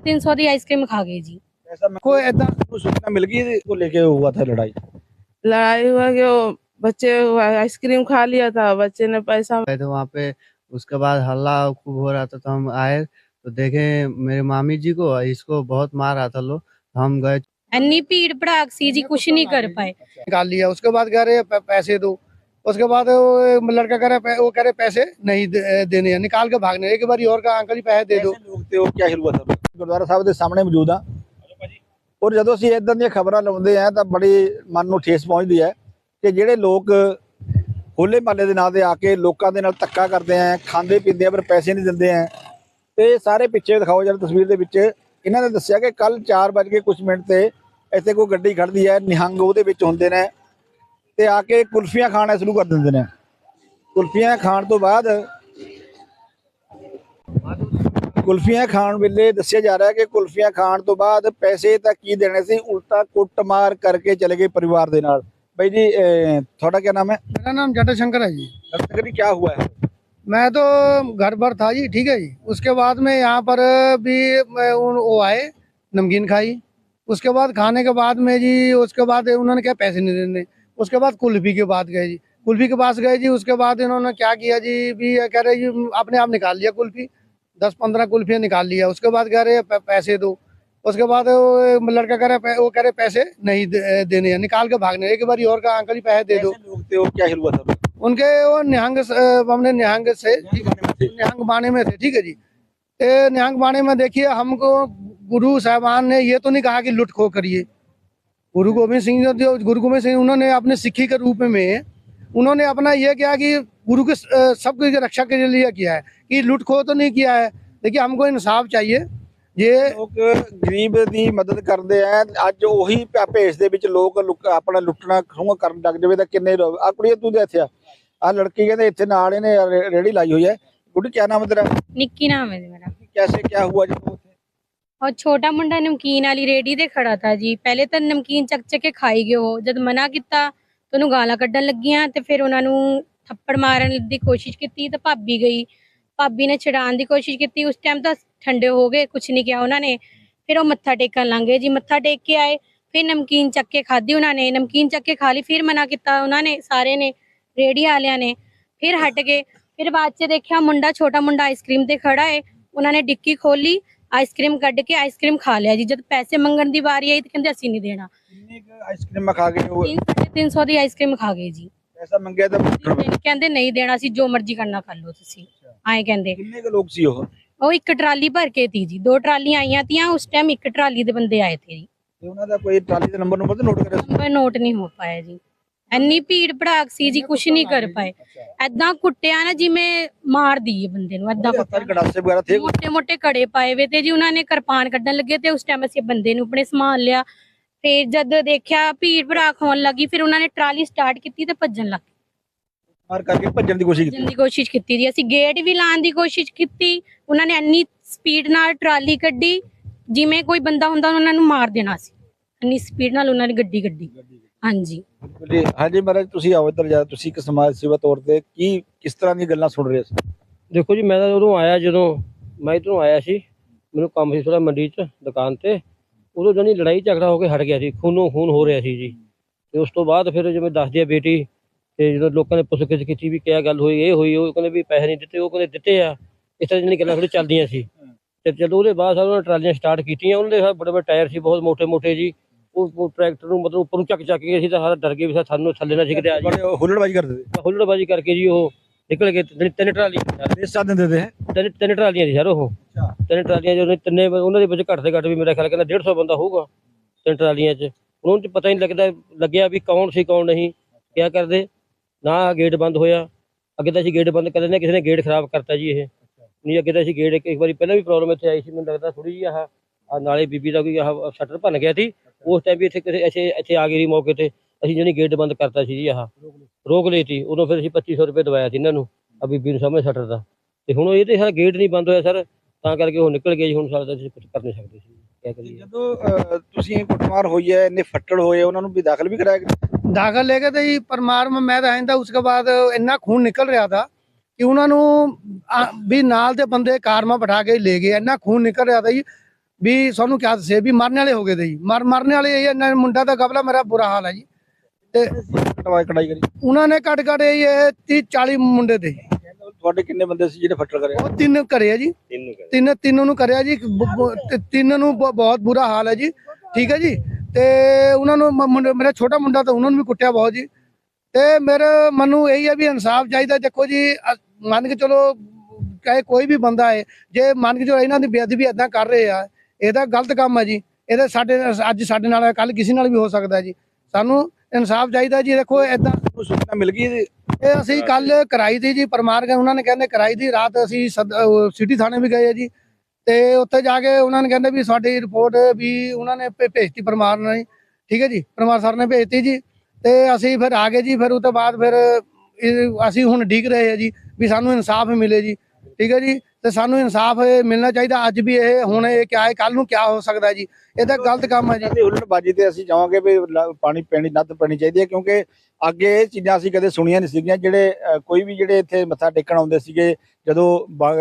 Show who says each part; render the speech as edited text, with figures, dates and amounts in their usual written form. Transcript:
Speaker 1: 350 ਦੀ ice cream खा गए जी।
Speaker 2: ऐसा कोई ऐसा सूचना मिल गई को लेके हुआ था लड़ाई?
Speaker 3: लड़ाई हुआ कि वो बच्चे आइसक्रीम खा लिया था, बच्चे ने पैसा
Speaker 4: गए थे वहाँ पे। उसके बाद हल्ला खूब हो रहा था तो हम आए तो देखे मेरे मामी जी को, इसको बहुत मार रहा था लोग। हम गए,
Speaker 1: अन्नी भीड़ भड़ाक सी जी, कुछ नहीं कर पाए।
Speaker 5: निकाल लिया। उसके बाद कह रहे पैसे दो। उसके बाद वो लड़का कह रहा वो कह रहे पैसे नहीं देने हैं, निकाल के भागने। एक बार और का अंकल जी पैसे दे दो।
Speaker 2: लोग थे वो क्या हुआ था? ਗੁਰਦੁਆਰਾ ਸਾਹਿਬ ਦੇ ਸਾਹਮਣੇ ਮੌਜੂਦ ਆ ਔਰ ਜਦੋਂ ਅਸੀਂ ਇਦਾਂ ਦੀਆਂ ਖਬਰਾਂ ਲਾਉਂਦੇ ਆ ਤਾਂ ਬੜੀ ਮਨ ਨੂੰ ਠੇਸ ਪਹੁੰਚਦੀ ਹੈ ਕਿ ਜਿਹੜੇ ਲੋਕ ਹੋਲੇ ਮਹੱਲੇ ਦੇ ਨਾਂ ਤੇ ਆ ਕੇ ਲੋਕਾਂ ਦੇ ਨਾਲ ਧੱਕਾ ਕਰਦੇ ਆ, ਖਾਂਦੇ ਪੀਂਦੇ ਆ ਪਰ ਪੈਸੇ ਨਹੀਂ ਦਿੰਦੇ ਆ। ਤੇ ਸਾਰੇ ਪਿੱਛੇ ਦਿਖਾਓ ਜਰਾ ਤਸਵੀਰ ਦੇ ਵਿੱਚ। ਇਹਨਾਂ ਨੇ ਦੱਸਿਆ ਕਿ ਕੱਲ 4 ਕੁਝ ਮਿੰਟ ਤੇ ਇੱਥੇ ਕੋਈ ਗੱਡੀ ਖੜਦੀ ਹੈ, ਨਿਹੰਗ ਉਹਦੇ ਵਿੱਚ ਹੁੰਦੇ ਨੇ ਤੇ ਆ ਕੇ ਕੁਲਫੀਆਂ ਖਾਣਾ ਸ਼ੁਰੂ ਕਰ ਦਿੰਦੇ ਨੇ। ਕੁਲਫੀਆਂ ਖਾਣ ਤੋਂ ਬਾਅਦ ਕੁਲਫੀਆਂ ਖਾਣ ਵੇਲੇ ਦੱਸਿਆ ਜਾ ਰਿਹਾ ਕਿ ਕੁਲਫੀਆਂ ਖਾਣ ਤੋਂ ਬਾਅਦ ਪੈਸੇ ਤਾਂ ਕੀ ਦੇਣੇ ਸੀ, ਉਲਟਾ ਕੁੱਟਮਾਰ ਕਰਕੇ ਚਲੇ ਗਏ परिवार ਦੇ ਨਾਲ। भाई जी थोड़ा क्या नाम है?
Speaker 5: मेरा नाम जटा शंकर है जी।
Speaker 2: शंकर जी क्या हुआ है?
Speaker 5: मैं तो घर पर था जी, ठीक है जी। उसके बाद में यहाँ पर भी वो आए, नमकीन खाई। उसके बाद खाने के बाद में जी, उसके बाद उन्होंने क्या पैसे नहीं देने। उसके बाद कुल्फी के बाद गए जी, कुल्फी के पास गए जी। उसके बाद इन्होंने क्या किया जी, भी कह रहे जी अपने आप निकाल लिया कुल्फी, 10-15 कुल्फियाँ निकाल लिया। उसके बाद कह रहे पैसे दो। उसके बाद लड़का कह रहा वो कह रहे पैसे नहीं देने हैं, निकाल के भागने। एक बार और का अंकल जी पैसे दे दो।
Speaker 2: लोग थे वो क्या हुआ था?
Speaker 5: उनके वो निहंग हमने निहंग से निहंग बाने में थे, ठीक है जी। निहंग बाने में देखिए, हमको गुरु साहबान ने ये तो नहीं कहा कि लुट खो करिए। गुरु गोविंद सिंह जो गुरु गोविंद सिंह उन्होंने अपने सिक्खी के रूप में उन्होंने अपना ये किया कि गुरु के सबकी रक्षा के लिए किया है, कि लुट खो तो नहीं किया है। देखिए हमको इंसाफ चाहिए। ये
Speaker 2: ਲੋਕ ਗਰੀਬ ਦੀ ਮਦਦ ਕਰਦੇ ਆ, ਅੱਜ ਉਹੀ ਭੇਸ ਦੇ ਵਿੱਚ ਲੋਕ ਆਪਣਾ ਲੁੱਟਣਾ ਖੋਹ ਕਰਨ ਲੱਗ ਜਾਵੇ ਤਾਂ ਕਿੰਨੇ ਆ। ਕੁੜੀ ਤੂੰ ਦੇ ਇੱਥੇ ਆ ਲੜਕੀ ਕਹਿੰਦੇ ਇੱਥੇ ਨਾਲ ਇਹਨੇ ਰੇੜੀ ਲਾਈ ਹੋਈ ਹੈ। ਗੁੱਡੀ ਕੀ ਨਾਮ ਹੈ ਤੇਰਾ?
Speaker 1: निक्की नाम है जी मेरा।
Speaker 2: कैसे क्या हुआ जब ਉੱਥੇ?
Speaker 1: और छोटा मुंडा नमकीन वाली रेडी ते खड़ा था जी। पहले तो नमकीन चक चक के खाई गए हो। जब मना किया तो ਉਹਨੂੰ ਗਾਲਾਂ ਕੱਢਣ ਲੱਗੀਆਂ ਤੇ ਫਿਰ ਉਹਨਾਂ ਨੂੰ ਥੱਪੜ ਮਾਰਨ ਦੀ ਕੋਸ਼ਿਸ਼ ਕੀਤੀ ਤਾਂ ਭਾਬੀ ਗਈ। ਭਾਬੀ ਨੇ ਛਡਾਉਣ ਦੀ ਕੋਸ਼ਿਸ਼ ਕੀਤੀ। ਉਸ ਟਾਈਮ ਤਾਂ ਠੰਡੇ ਹੋ ਗਏ, ਕੁਝ ਨਹੀਂ ਕਿਹਾ ਉਹਨਾਂ ਨੇ। ਫਿਰ ਉਹ ਮੱਥਾ ਟੇਕਣ ਲੰਘ ਗਏ ਜੀ। ਮੱਥਾ ਟੇਕ ਕੇ ਆਏ, ਫਿਰ ਨਮਕੀਨ ਚੱਕ ਕੇ ਖਾਧੀ ਉਹਨਾਂ ਨੇ। ਨਮਕੀਨ ਚੱਕ ਕੇ ਖਾ ਲਈ, ਫਿਰ ਮਨਾ ਕੀਤਾ ਉਹਨਾਂ ਨੇ, ਸਾਰੇ ਨੇ, ਰੇਹੜੀ ਵਾਲਿਆਂ ਨੇ। ਫਿਰ ਹਟ ਗਏ। ਫਿਰ ਬਾਅਦ 'ਚ ਦੇਖਿਆ ਮੁੰਡਾ, ਛੋਟਾ ਮੁੰਡਾ ਆਈਸਕ੍ਰੀਮ ਤੇ ਖੜਾ ਹੈ। ਉਹਨਾਂ ਨੇ ਡਿੱਕੀ ਖੋਲੀ, ਆਈਸਕ੍ਰੀਮ ਕੱਢ ਕੇ ਆਈਸਕ੍ਰੀਮ ਖਾ ਲਿਆ ਜੀ। ਜਦ ਪੈਸੇ ਮੰਗਣ ਦੀ ਵਾਰੀ ਆਈ ਤਾਂ ਕਹਿੰਦੇ ਅਸੀਂ ਨਹੀਂ ਦੇਣਾ।
Speaker 2: ਕਿੰਨੀ ਆਈਸਕ੍ਰੀਮ ਖਾ ਗਏ ਉਹ?
Speaker 1: 350 ਦੀ ਆਈਸਕ੍ਰੀਮ ਖਾ ਗਏ ਜੀ।
Speaker 2: ਪੈਸਾ ਮੰਗਿਆ ਤਾਂ
Speaker 1: ਕਹਿੰਦੇ ਨਹੀਂ ਦੇਣਾ ਸੀ, ਜੋ ਮਰਜ਼ੀ ਕਰਨਾ ਕਰ ਲਓ ਤੁਸੀਂ, ਆਏ ਕਹਿੰਦੇ।
Speaker 2: ਕਿੰਨੇ ਕੁ ਲੋਕ ਸੀ ਉਹ?
Speaker 1: ਉਹ ਇੱਕ ਟਰਾਲੀ ਭਰ ਕੇ ਤੀ ਜੀ। 2 ਟਰਾਲੀਆਂ ਆਈਆਂ ਤੀਆਂ ਉਸ ਟਾਈਮ। ਇੱਕ ਟਰਾਲੀ ਦੇ ਬੰਦੇ ਆਏ ਥੇ ਜੀ।
Speaker 2: ਤੇ ਉਹਨਾਂ ਦਾ ਕੋਈ ਟਰਾਲੀ ਦਾ ਨੰਬਰ ਨੋਟ ਕਰਿਆ?
Speaker 1: ਨੰਬਰ ਨੋਟ ਨਹੀਂ ਹੋ ਪਾਇਆ ਜੀ। ਇੰਨੀ ਭੀੜ ਭੜਾਕ ਸੀ ਜੀ, ਕੁਛ ਨਹੀਂ ਕਰ ਪਾਏ। ਐਦਾਂ ਕੁੱਟਿਆ ਨਾ ਜਿਵੇਂ ਮਾਰ ਦਈਏ ਬੰਦੇ ਨੂੰ, ਐਦਾਂ
Speaker 2: ਗੜਾਸੇ ਵਗੈਰਾ ਥੇ,
Speaker 1: ਮੋਟੇ ਮੋਟੇ ਕੜੇ ਪਾਏ ਵੇ ਤੇ ਜੀ। ਉਹਨਾਂ ਨੇ ਕਿਰਪਾਨ ਕੱਢਣ ਲੱਗੇ ਤੇ ਉਸ ਟਾਈਮ ਅਸੀਂ ਬੰਦੇ ਨੂੰ ਆਪਣੇ ਸਮਾਨ ਲਿਆ। ਫਿਰ ਜਦ ਦੇਖਿਆ ਭੀੜ ਭੜਾਕ ਹੋਣ ਲੱਗੀ, ਫਿਰ ਉਹਨਾਂ ਨੇ ਟਰਾਲੀ ਸਟਾਰਟ ਕੀਤੀ ਤੇ ਭੱਜਣ ਲੱਗ ਗਏ।
Speaker 2: ਮਾਰ ਕਰਕੇ ਭੱਜਣ ਦੀ ਕੋਸ਼ਿਸ਼
Speaker 1: ਭੱਜਣ ਦੀ ਕੋਸ਼ਿਸ਼ ਕੀਤੀ ਜੀ। ਅਸੀਂ ਗੇਟ ਵੀ ਲਾਉਣ ਦੀ ਕੋਸ਼ਿਸ਼ ਕੀਤੀ। ਉਹਨਾਂ ਨੇ ਇੰਨੀ ਸਪੀਡ ਨਾਲ ਟਰਾਲੀ ਕੱਢੀ ਜਿਵੇਂ ਕੋਈ ਬੰਦਾ ਹੁੰਦਾ ਉਹਨਾਂ ਨੂੰ ਮਾਰ ਦੇਣਾ ਸੀ। ਇੰਨੀ ਸਪੀਡ ਨਾਲ ਉਹਨਾਂ ਨੇ ਗੱਡੀ ਕੱਢੀ। ਹਾਂਜੀ
Speaker 2: ਹਾਂਜੀ ਮਹਾਰਾਜ, ਤੁਸੀਂ ਆਓ ਇੱਧਰ ਜਾ। ਤੁਸੀਂ ਇੱਕ ਸਮਾਜ ਸੇਵਾ ਤੌਰ ਤੇ ਕਿਸ ਤਰ੍ਹਾਂ ਦੀਆਂ ਗੱਲਾਂ ਸੁਣ ਰਹੇ ਸੀ?
Speaker 6: ਦੇਖੋ ਜੀ, ਮੈਂ ਤਾਂ ਉਦੋਂ ਆਇਆ, ਜਦੋਂ ਮੈਂ ਇੱਧਰੋਂ ਆਇਆ ਸੀ, ਮੈਨੂੰ ਕੰਮ ਸੀ ਥੋੜਾ ਮੰਡੀ 'ਚ ਦੁਕਾਨ ਤੇ। ਉਦੋਂ ਜਾਨੀ ਲੜਾਈ ਝਗੜਾ ਹੋ ਕੇ ਹਟ ਗਿਆ ਸੀ, ਖੂਨੋਂ ਖੂਨ ਹੋ ਰਿਹਾ ਸੀ ਜੀ। ਤੇ ਉਸ ਤੋਂ ਬਾਅਦ ਫਿਰ ਜਿਵੇਂ ਦੱਸਦੀ ਆ ਬੇਟੀ, ਤੇ ਜਦੋਂ ਲੋਕਾਂ ਨੇ ਪੁੱਛ-ਗਿੱਛ ਕੀਤੀ ਵੀ ਕਿਆ ਗੱਲ ਹੋਈ, ਇਹ ਹੋਈ, ਉਹ ਕਹਿੰਦੇ ਵੀ ਪੈਸੇ ਨਹੀਂ ਦਿੱਤੇ, ਉਹ ਕਹਿੰਦੇ ਦਿੱਤੇ ਆ। ਇਸ ਤਰ੍ਹਾਂ ਦੀਆਂ ਗੱਲਾਂ ਥੋੜੀ ਚੱਲਦੀਆਂ ਸੀ। ਤੇ ਜਦੋਂ ਉਹਦੇ ਬਾਅਦ ਉਹਨਾਂ ਨੇ ਟਰਾਲੀਆਂ ਸਟਾਰਟ ਕੀਤੀਆਂ। ਉਹਨਾਂ ਦੇ ਬੜੇ ਬੜੇ ਟਾਇਰ ਸੀ, ਬਹੁਤ ਮੋਟੇ ਮੋਟੇ ਜੀ। ਉਹ ਟਰੈਕਟਰ ਨੂੰ ਮਤਲਬ ਉੱਪਰ ਨੂੰ ਚੱਕ ਕੇ ਅਸੀਂ ਤਾਂ ਸਾਰਾ ਡਰ ਗਏ ਵੀ ਸਾਨੂੰ ਥੱਲੇ ਨਾ ਸਿੱਕਦੇ ਆ ਜੀ।
Speaker 2: ਹੁੱਲੜਬਾਜੀ ਕਰਦੇ ਸੀ?
Speaker 6: ਹੁੱਲੜਬਾਜੀ ਕਰਕੇ ਜੀ ਉਹ ਨਿਕਲ ਗਏ। ਤਿੰਨ ਟਰਾਲੀਆਂ
Speaker 2: ਦਿੰਦੇ
Speaker 6: ਤਿੰਨ ਟਰਾਲੀਆਂ ਸੀ ਸਰ ਉਹ। ਤਿੰਨ ਟਰਾਲੀਆਂ ਜਦੋਂ ਤਿੰਨੇ ਉਹਨਾਂ ਦੇ ਵਿੱਚ ਘੱਟ ਤੇ ਘੱਟ ਵੀ ਮੇਰਾ ਖਿਆਲ ਕਹਿੰਦਾ 150 ਬੰਦਾ ਹੋਊਗਾ ਤਿੰਨ ਟਰਾਲੀਆਂ 'ਚ। ਉਹਨਾਂ ਨੂੰ ਪਤਾ ਹੀ ਨਹੀਂ ਲੱਗਿਆ ਵੀ ਕੌਣ ਸੀ ਕੌਣ ਨਹੀਂ। ਕਿਆ ਕਰਦੇ ਨਾ ਗੇਟ ਬੰਦ ਹੋਇਆ। ਅੱਗੇ ਤਾਂ ਅਸੀਂ ਗੇਟ ਬੰਦ ਕਰ ਦਿੰਦੇ, ਕਿਸੇ ਨੇ ਗੇਟ ਖਰਾਬ ਕਰਤਾ ਜੀ। ਇਹ ਨਹੀਂ, ਅੱਗੇ ਤਾਂ ਅਸੀਂ ਗੇਟ ਇੱਕ ਵਾਰੀ ਪਹਿਲਾਂ ਵੀ ਪ੍ਰੋਬਲਮ ਇੱਥੇ ਆਈ ਸੀ, ਮੈਨੂੰ ਲੱਗਦਾ ਥੋੜੀ ਜਿਹੀ ਆਹ ਨਾਲੇ ਬੀਬੀ ਦਾ ਕੋਈ ਆਹ ਸ਼ਟਰ ਭੰਨ ਗਿਆ ਸੀ। ਉਸ ਟਾਈਮ ਵੀ ਇੱਥੇ ਆ ਗਈ ਸੀ ਮੌਕੇ ਤੇ। ਅਸੀਂ ਜਾਨੀ ਗੇਟ ਬੰਦ ਕਰਤਾ ਸੀ ਜੀ, ਆਹ ਰੋਕ ਲਈ ਸੀ। ਉਦੋਂ ਫਿਰ ਅਸੀਂ 2500 ਰੁਪਏ ਦਵਾਇਆ ਸੀ ਇਹਨਾਂ ਨੂੰ, ਆ ਬੀਬੀ ਨੂੰ ਸਾਹਮਣੇ ਸ਼ਟਰ ਦਾ। ਤੇ ਹੁਣ ਇਹ ਤੇ ਸਾਰਾ ਗੇਟ ਨਹੀਂ ਬੰਦ ਹੋਇਆ ਸਰ, ਤਾਂ ਕਰਕੇ ਉਹ ਨਿਕਲ ਗਏ ਜੀ। ਹੁਣ ਸਾਡਾ ਅਸੀਂ ਕੁਝ ਕਰ ਨਹੀਂ ਸਕਦੇ ਸੀ। ਕਿਆ ਕਰੀਏ?
Speaker 2: ਜਦੋਂ ਤੁਸੀਂ ਕੁੱਟਮਾਰ ਹੋਈ ਹੈ, ਇੰਨੇ ਫੱਟੜ ਹੋਏ, ਉਹਨਾਂ ਨੂੰ ਵੀ ਦਾਖਲ ਵੀ ਕਰਾਇਆ ਗਿਆ?
Speaker 5: दाखिल लेके तो जी परमार में मैं रहन था। उसके बाद इन्ना खून निकल रहा था कि उन्होंने भी नाल दे बंदे कार में बैठा के ले गए। इन्ना खून निकल रहा था जी, ਵੀ ਸਾਨੂੰ ਕਿਆ ਦੱਸੇ ਵੀ ਮਰਨ ਵਾਲੇ ਹੋ ਗਏ ਤੇ ਜੀ ਮਰਨ ਵਾਲੇ ਇਹ ਇਹਨਾਂ ਮੁੰਡਾ ਦਾ ਕਬਲਾ ਮੇਰਾ ਬੁਰਾ ਹਾਲ ਹੈ ਜੀ ਤੇ
Speaker 2: ਕਟਾਈ ਕਰੀ
Speaker 5: ਉਹਨਾਂ ਨੇ ਘੱਟ ਘੱਟ ਇਹ 30-40 ਮੁੰਡੇ ਤੇ ਜੀ।
Speaker 2: ਤੁਹਾਡੇ ਕਿੰਨੇ ਬੰਦੇ ਸੀ ਜਿਹੜੇ ਫੱਟੜ ਕਰੇ?
Speaker 5: ਉਹ 3 ਘਰੇ ਆ ਜੀ, ਤਿੰਨ ਨੂੰ ਕਰਿਆ ਜੀ, ਤੇ 3 ਨੂੰ ਬਹੁਤ ਬੁਰਾ ਹਾਲ ਹੈ ਜੀ। ਠੀਕ ਹੈ ਜੀ। ਤੇ ਉਹਨਾਂ ਨੂੰ ਮੇਰਾ ਛੋਟਾ ਮੁੰਡਾ ਤਾਂ ਉਹਨਾਂ ਨੂੰ ਵੀ ਕੁੱਟਿਆ ਬਹੁਤ ਜੀ। ਤੇ ਮੇਰੇ ਮਨ ਨੂੰ ਇਹੀ ਹੈ ਵੀ ਇਨਸਾਫ ਚਾਹੀਦਾ। ਦੇਖੋ ਜੀ ਮੰਨ ਕੇ ਚਲੋ ਚਾਹੇ ਕੋਈ ਵੀ ਬੰਦਾ ਹੈ, ਜੇ ਮੰਨ ਕੇ ਚਲੋ ਇਹਨਾਂ ਦੀ ਬੇਅਦਬੀ ਏਦਾਂ ਕਰ ਰਹੇ ਆ, ਇਹਦਾ ਗਲਤ ਕੰਮ ਹੈ ਜੀ। ਇਹਦੇ ਅੱਜ ਸਾਡੇ ਨਾਲ ਕੱਲ ਕਿਸੇ ਨਾਲ ਵੀ ਹੋ ਸਕਦਾ ਜੀ। ਸਾਨੂੰ ਇਨਸਾਫ ਚਾਹੀਦਾ ਜੀ। ਦੇਖੋ ਏਦਾਂ
Speaker 2: ਸੂਚਨਾ ਮਿਲ ਗਈ ਇਹਦੀ?
Speaker 5: ਇਹ ਅਸੀਂ ਕੱਲ ਕਰਾਈ ਦੀ ਜੀ ਪਰਮਾਰ ਗਏ, ਉਹਨਾਂ ਨੇ ਕਹਿੰਦੇ ਕਰਾਈ ਦੀ। ਰਾਤ ਅਸੀਂ ਸਿਟੀ ਥਾਣੇ ਵੀ ਗਏ ਆ ਜੀ, ਤੇ ਉੱਥੇ ਜਾ ਕੇ ਉਹਨਾਂ ਨੇ ਕਹਿੰਦੇ ਵੀ ਸਾਡੀ ਰਿਪੋਰਟ ਵੀ ਉਹਨਾਂ ਨੇ ਭੇਜਤੀ ਪਰਮਾਰ ਨੇ। ਠੀਕ ਹੈ ਜੀ, ਪਰਮਾਰ ਸਰ ਨੇ ਭੇਜਤੀ ਜੀ। ਤੇ ਅਸੀਂ ਫਿਰ ਆ ਗਏ ਜੀ। ਫਿਰ ਉਹ ਤੋਂ ਬਾਅਦ ਫਿਰ ਅਸੀਂ ਹੁਣ ਡਿੱਗ ਰਹੇ ਆ ਜੀ ਵੀ ਸਾਨੂੰ ਇਨਸਾਫ ਮਿਲੇ ਜੀ। ਠੀਕ ਹੈ ਜੀ। ਤੇ ਸਾਨੂੰ ਇਨਸਾਫ ਮਿਲਣਾ ਚਾਹੀਦਾ। ਅੱਜ ਵੀ ਇਹ ਹੁਣ ਇਹ ਕਿਆ ਹੈ, ਕੱਲ ਨੂੰ ਕਿਆ ਹੋ ਸਕਦਾ ਜੀ। ਇਹ ਤਾਂ ਗਲਤ ਕੰਮ ਹੈ ਜੀ।
Speaker 2: ਹੁੱਲੜਬਾਜੀ ਤੇ ਅਸੀਂ ਚਾਹਾਂਗੇ ਵੀ ਪਾਣੀ ਪੈਣੀ ਨੱਥ ਪੈਣੀ ਚਾਹੀਦੀ ਹੈ, ਕਿਉਂਕਿ ਅੱਗੇ ਇਹ ਚੀਜ਼ਾਂ ਅਸੀਂ ਕਦੇ ਸੁਣੀਆਂ ਨਹੀਂ ਸੀਗੀਆਂ। ਜਿਹੜੇ ਕੋਈ ਵੀ ਜਿਹੜੇ ਇੱਥੇ ਮੱਥਾ ਟੇਕਣ ਆਉਂਦੇ ਸੀਗੇ, ਜਦੋਂ